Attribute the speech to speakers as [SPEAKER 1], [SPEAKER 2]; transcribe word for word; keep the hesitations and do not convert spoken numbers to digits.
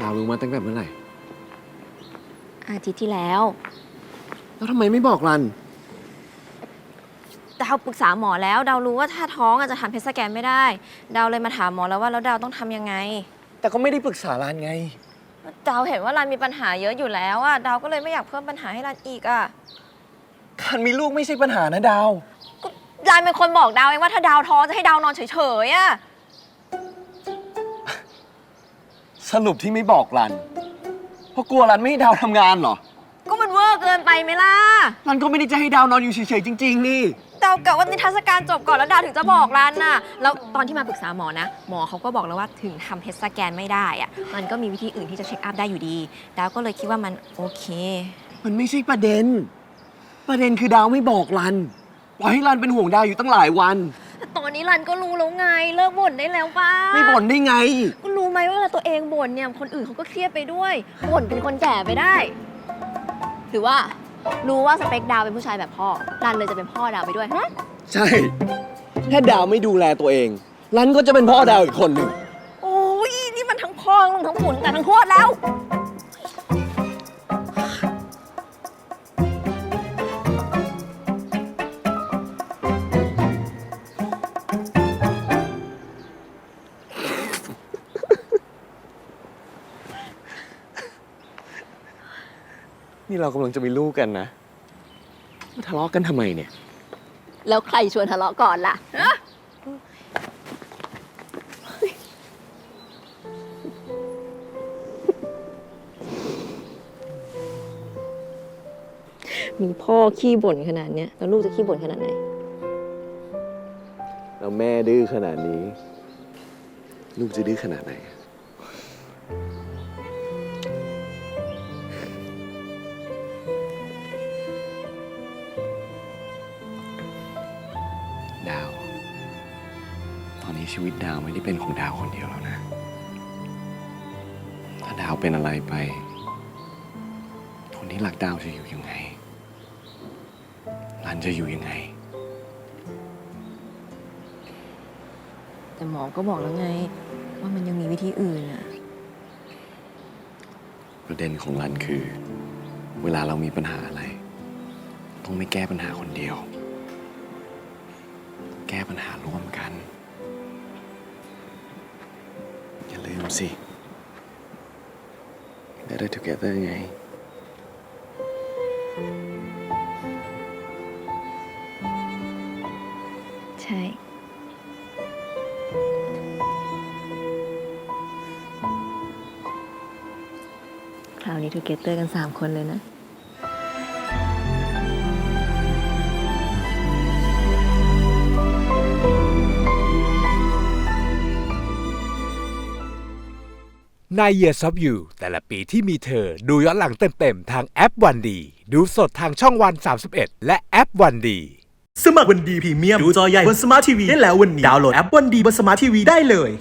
[SPEAKER 1] ดาวรู้มาตั้งแต่เมื่อไหร่
[SPEAKER 2] อาทิตย์ที่แล้ว
[SPEAKER 1] แล้วทำไมไม่บอกรัน
[SPEAKER 2] ดาวปรึกษาหมอแล้วดาวรู้ว่าถ้าท้องอาจจะทำเพชรสแกนไม่ได้ดาวเลยมาถามหมอแล้วว่าแล้วดาวต้องทำยังไง
[SPEAKER 1] แต่ก็ไม่ได้ปรึกษารันไง
[SPEAKER 2] ดาวเห็นว่ารันมีปัญหาเยอะอยู่แล้วอะดาวก็เลยไม่อยากเพิ่มปัญหาให้รันอีกอะ
[SPEAKER 1] การมีลูกไม่ใช่ปัญหานะดาว
[SPEAKER 2] รันเป็นคนบอกดาวเองว่าถ้าดาวท้องจะให้ดาวนอนเฉยๆอะ
[SPEAKER 1] สรุปที่ไม่บอกรันเพราะกลัวรันไม่ให้ดาวทำงานเหรอ
[SPEAKER 2] ก็มันเวอร์เกินไปไหมล่ะ
[SPEAKER 1] รันก็ไม่ได้จะให้ดาวนอนอยู่เฉยๆจริงๆนี่
[SPEAKER 2] ดาวกะว่านิทรรศการจบก่อนแล้วดาวถึงจะบอกรันน่ะแล้วตอนที่มาปรึกษาหมอนะหมอเขาก็บอกแล้วว่าถึงทำเพชรสแกนไม่ได้อะมันก็มีวิธีอื่นที่จะเช็คอัพได้อยู่ดีดาวก็เลยคิดว่ามันโอเค
[SPEAKER 1] มันไม่ใช่ประเด็นประเด็นคือดาวไม่บอกรันปล่อยให้รันเป็นห่วงดาวอยู่ตั้งหลายวัน
[SPEAKER 2] ตอนนี้รันก็รู้แล้วไงเลิกบ่นได้แล้วป่ะ
[SPEAKER 1] ไม่บ่นได้ไง
[SPEAKER 2] ก็รู้ไหมว่าเวลาตัวเองบ่นเนี่ยคนอื่นเขาก็เครียดไปด้วยบ่นเป็นคนแก่ไปได้หรือว่ารู้ว่าสเปคดาวเป็นผู้ชายแบบพ่อรันเลยจะเป็นพ่อดาวไปด้วยฮะ
[SPEAKER 1] ใช่ถ้าดาวไม่ดูแลตัวเองรันก็จะเป็นพ่อดาวอีกคนหนึ่ง
[SPEAKER 2] โอ้ยนี่มันทั้งพ่อทั้งหมุนแต่ทั้งโคตรแล้ว
[SPEAKER 1] นี่เรากำลังจะมีลูกกันนะมาทะเลาะกันทำไมเนี่ย
[SPEAKER 2] แล้วใครชวนทะเลาะก่อนล่ะมีพ่อขี้บ่นขนาดนี้แล้วลูกจะขี้บ่นขนาดไหน
[SPEAKER 1] แล้วแม่ดื้อขนาดนี้ลูกจะดื้อขนาดไหนดาวตอนนี้ชีวิตดาวไม่ได้เป็นของดาวคนเดียวแล้วนะถ้าดาวเป็นอะไรไปคนที่รักดาวจะอยู่ยังไงรันจะอยู่ยังไง
[SPEAKER 2] แต่หมอก็บอกแล้วไงว่ามันยังมีวิธีอื่นอะ
[SPEAKER 1] ประเด็นของรันคือเวลาเรามีปัญหาอะไรต้องไม่แก้ปัญหาคนเดียวแก้ปัญหาร่วมกันอย่าลืมสิ Better together ไง
[SPEAKER 2] ใช่คราวนี้ together กันสามคนเลยนะ
[SPEAKER 3] ใน Years of You แต่ละปีที่มีเธอดูย้อนหลังเต็มๆทางแอปวันดีดูสดทางช่องวันสามสิบเอ็ดและแอปวันดี
[SPEAKER 4] สมัครวันดีพรีเมียมดูจอใหญ่บนสมาร์ททีวีได้แล้ววันนี้ดาวน์โหลดแอปวันดีบนสมาร์ททีวีได้เลย